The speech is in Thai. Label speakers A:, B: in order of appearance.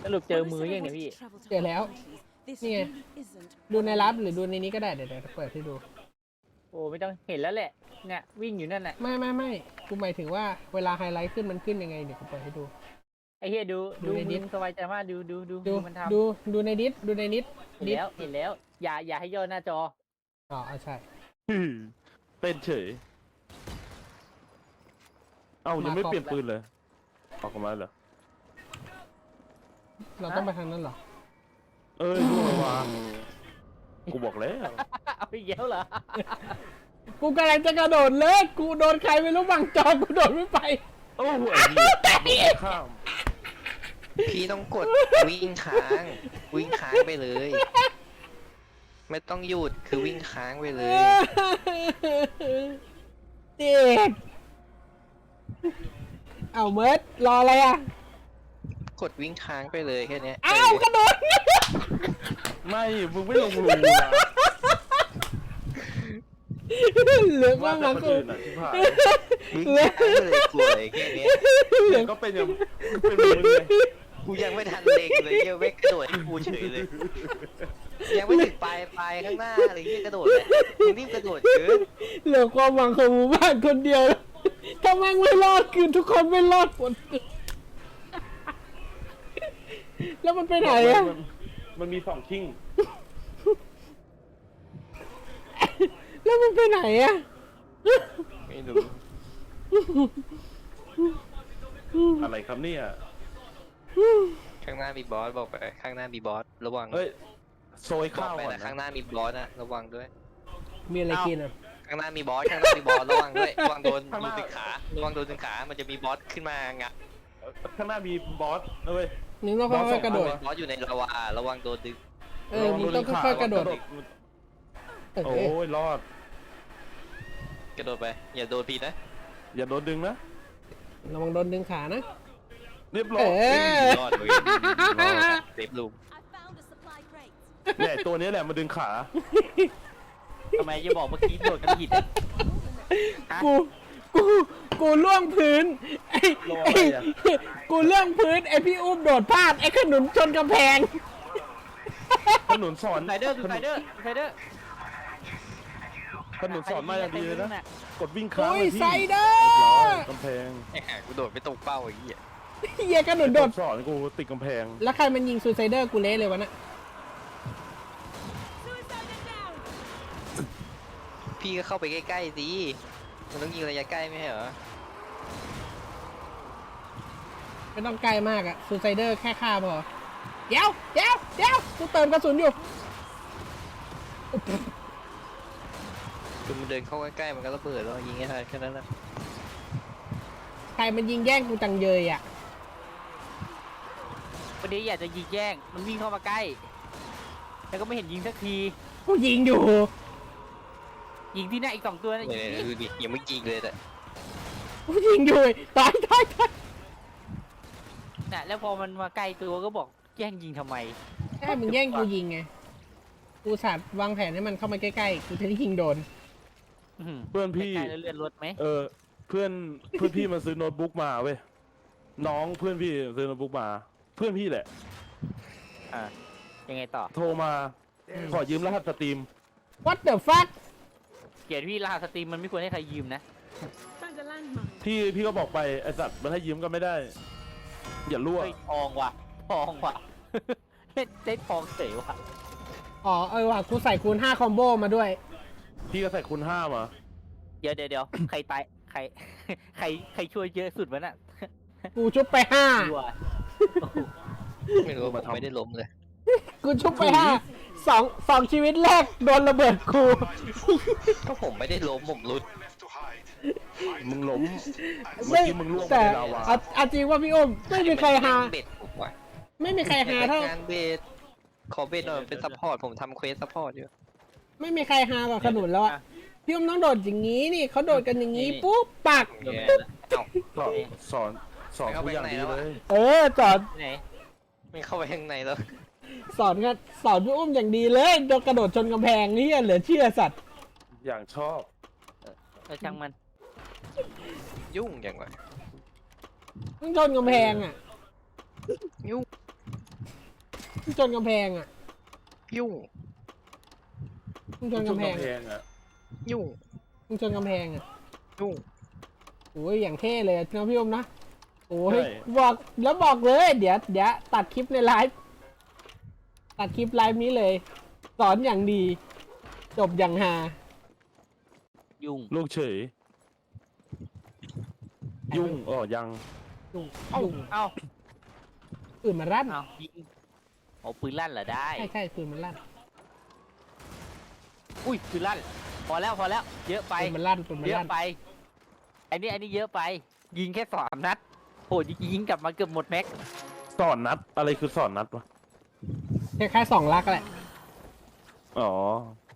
A: รุปเจอมือยังเนี่ยพี่
B: เจอแล้วนี่ไงดูในลับหรือดูในนี้ก็ได้เดี๋ยวเปิดให้ดู
A: โอ้ไม่ต้องเห็นแล้วแหละเนี่ยวิ่งอยู่นั่นแหละ
B: ไม่กูหมายถึงว่าเวลาไฮไลท์ขึ้นมันขึ้นยังไงเดี๋ยวกูเปิดให้ดู
A: ไอ้เฮียดู
B: ดูใน
A: มื
B: ดิ
A: อ
B: ส
A: สบายใจมากดูมันทำ
B: ดูในดิสดูในนิด
A: เห็น
B: ดิส
A: แล้วเห็นแล้ว อย่าให้ย่อหน้าจอ
B: อ๋อใช่
C: เต้นเฉยเอ้ายังไม่เปลี่ยนปืนเลยออกมาเหรอ
B: เราต้องไปทางนั้นเหรอ
C: เอ้ยล่วงวางกูบอกแล้ว
A: เอาอีกแล้วเหรอ
B: กูกำลังจะกระโดดเลยกูโดนใครไม่รู้บังจอกูโดดไม่ไป
C: โอ้โหไอ้เหี้ยข้าม
D: พี่ต้องกดวิ่งค้างไปเลย ไม่ต้องหยุดคือวิ่งค้างไปเลย
B: เด็กเอาเมิร์ดรออะไรอ่ะ
D: กดวิ่งค้างไปเลยแค่เนี้ย
B: อ้าวกระโดด
C: ไม่มึงไม่ลงรูนะ
B: เหลือง
C: ว่า
B: ว่าง
C: แต่
B: มา
C: คน
B: กู
C: อื่นอ่ะที่ผ่าน
D: วิ่งค้างไปเลยกลัวเลยแค่เนี้ย
B: เหลือง
C: ก็เป็นอย่างเป็นมึงเลย
D: กูยังไม่ทันเล็งเลยเหี้ยังไม่กระโดดให้กูเฉยเลย ยังไม่ถึงปลายข้างหน้าเลยที่กระโดดเลยมึงรีบกระโดดเกิน
B: เหลือความหวังของหมู่บ้านคนเดียวถ้าแม่งไม่รอดคือทุกคนไม่รอดหมดแล้วมันไปไหนอ่ะ
C: มันมี2ชิ่ง
B: แล้วมันไปไหนอ่ะ
D: ไม่รู้
C: อะไรครับเนี่ย
D: ข้างหน้ามีบอสบอกไปข้างหน้ามีบอสระวัง
C: เฮ้ยโซย
D: บอ
C: ข้าก ว
D: ไป
C: ก่อน
D: นะ
C: นะ
D: ข้างหน้ามีบอสนะระวังด้วย
B: มีอะไรกินอ่ะ
D: ข้างหน้ามีบอสระวังด้วยระวังโดนดึงขาระวังโดนดึงขามันจะมีบอสขึ้นมางะ
C: ข้างหน้ามีบอสนะเว้ย
B: นึกต้องค่อยๆกระโดด
D: บอสอยู่ในลาวาระวังโดนดึง
B: มึงต้องค่อยๆกระโดด
C: โอ้ยรอด
D: กระโดดไปอย่าโดนพีนะ
C: อย่าโดนดึงนะ
B: ระวังโดนดึงขานะ
C: เรียบร้อ
B: เอย อ
D: รอดเลยเซฟลูม
C: เนี่ยตัวนี้แหละมาดึงขา
A: ทำไมจะบอกเมื่อกี้โดดกันผิดอะฮะ
B: กูล่วงพื้นกูล่วงพื้นไอพี่อุ้มโดดพลาดไอขนุนชนกำแพง
C: ขนุนสอน
A: ไซเดอร์ดูไซเดอร์
C: ขนุนสอนมาอย่างดีเลยนะกดวิ่งค้าง
B: โอ้ย
C: ไปที่
B: ไซเดอ
C: เรียบร้อย
B: ร์
C: กำแพง
D: กูโดดไม่ตรงเป้าไอ้เหี้ย
B: เฮียขนุนโดด
C: สอนกูติดกำแพง
B: แล้วใครมันยิงซูไซเดอร์กูเละเลยวะน่ะ
D: พี่ก็เข้าไปใกล้ๆสิมันต้องยิงระยะใกล้ไม่ใช่เหรอ
B: ไม่ต้องไกลมากอะซูไซเดอร์แค่ฆ่าพอเดี๋ยวกูเติมกระสุนอยู่
D: คือมันเดินเข้าใกล้ๆมันก็ระเบิดแล้วยิงให้ทันแค่นั้นแหละ
B: ใครมันยิงแย่งกูจังเยยอะ
A: วันนี้อยากจะยิงแย่งมันวิ่งเข้ามาใกล้แล้วก็ไม่เห็นยิงสักที
B: กูยิงอยู่
A: ยิงที่หน้าอีก2 ตัวนะ
D: เนี่ยดูดิยังไม่ยิงเลยแต่
B: กูยิงอยู่ตาย
A: น่ะแล้วพอมันมาใกล้ตัวก็บอกแย่งยิงทำไม
B: แค่มึงแย่งกูยิงไงกูสัตว์วางแผนให้มันเข้ามาใกล้ๆกูจะได้ยิงโดน
C: เพื่อนพี่
A: ใกล้แล้วเลื่อนรถไหม
C: เพื่อนพี่มาซื้อโน้ตบุ๊กมาเว้ยน้องเพื่อนพี่ซื้อโน้ตบุ๊กมา เพื่อนพี่แหละ
A: ยังไงต่อ
C: โทรมาขอยืมรหัสสตรีม
B: What the fuck
A: เกียรติพี่รหัสสตรีมมันไม่ควรให้ใครยืมนะ
C: พี่ก็บอกไปไอสัตว์มันให้ยืมก็ไม่ได้ อย่ารั่ว
A: เฮ้ยทองว่ะ ได้ทองเสยว่ะ
B: อ๋อว่ะกูใส่คูณ5คอมโบมาด้วย
C: พี่ก็ใส่คูณ5มา
A: เดี๋ยวใครตายใครช่วยเยอะสุดวะน่ะ
B: กูชุบไป
A: ชัวร์
D: ไม่รู้ผมไม่ได้ล้มเลย
B: 5กูชุบไป5 2ชีวิตแรกโดนระเบิดกู
D: ก็ผมไม่ได้ล้มผมรุด
C: มึงล้มเมื่อกี้มึงล่วงไป
B: แต่
C: ในลาวา
B: เอาจริงว่าพี่อ้มไม่มีใครหา
D: เบ็ดผมว่ะ
B: ไม่มีใครหาเท่า
D: งานเบ็ดขอเบ็ดหน่อยเป็นซัพพอร์ตผมทำเควสซัพพอร์ตอยู่
B: ไม่มีใครหากว่าขนุนแล้วอะพี่อ้มต้องโดดอย่างนี้นี่เขาโดดกันอย่างนี้ปุ๊บปัก
D: เอ้า
C: ก็สอนกูอย่างดีเลย
B: สอน
A: ไหน
D: ไม่เข้าไปข้างในแล้ว
B: สอนพี่อ้มอย่างดีเลยโดนกระโดดชนกำแพงนี่เหลือเชื่อสัตว์
C: อย่างชอบ
A: ช่างมัน
D: ยุ่งอย่างวะ
B: ต้องชนกำแพงอ่ะ
D: ยุ่ง
B: มึงชนกำแพงอ่ะ
D: ยุ่ง
B: มึงชนกำแพง
C: อ่ะ
D: ยุ่ง
B: มึงชนกำแพงอ่ะ
D: ยุ่ง
B: โอ้ยอย่างเท่เลยนะพี่อมนะโอ้ยบอกแล้วบอกเลย เดี๋ยวตัดคลิปในไลฟ์ตัดคลิปไลฟ์นี้เลย สอนอย่างดี จบอย่างฮา
A: ยุ่ง
C: ลูกเฉย ยุ่งอ๋อยัง
B: ยุ่ง
A: เอ้า
B: ยุ่ง
A: เอ้า
B: ปืนมันลั่น
A: เอ้ายิงเอาปืนลั่นเหรอได้
B: ใช่ปืนมันลั่น
A: อุ้ยปืนลั่นพอแล้วเยอะไป
B: ปืนมันลั่นปืนมัน
A: เยอะ
B: ลั่น
A: ไปอันนี้เยอะไป ยิงแค่3 นัดโหยิงกลับมาเกือบหมดแม็ก
C: สอนนัดอะไรคือสอนนัดวะ
B: คล้ายๆ2 ลักแหละ
C: อ๋อ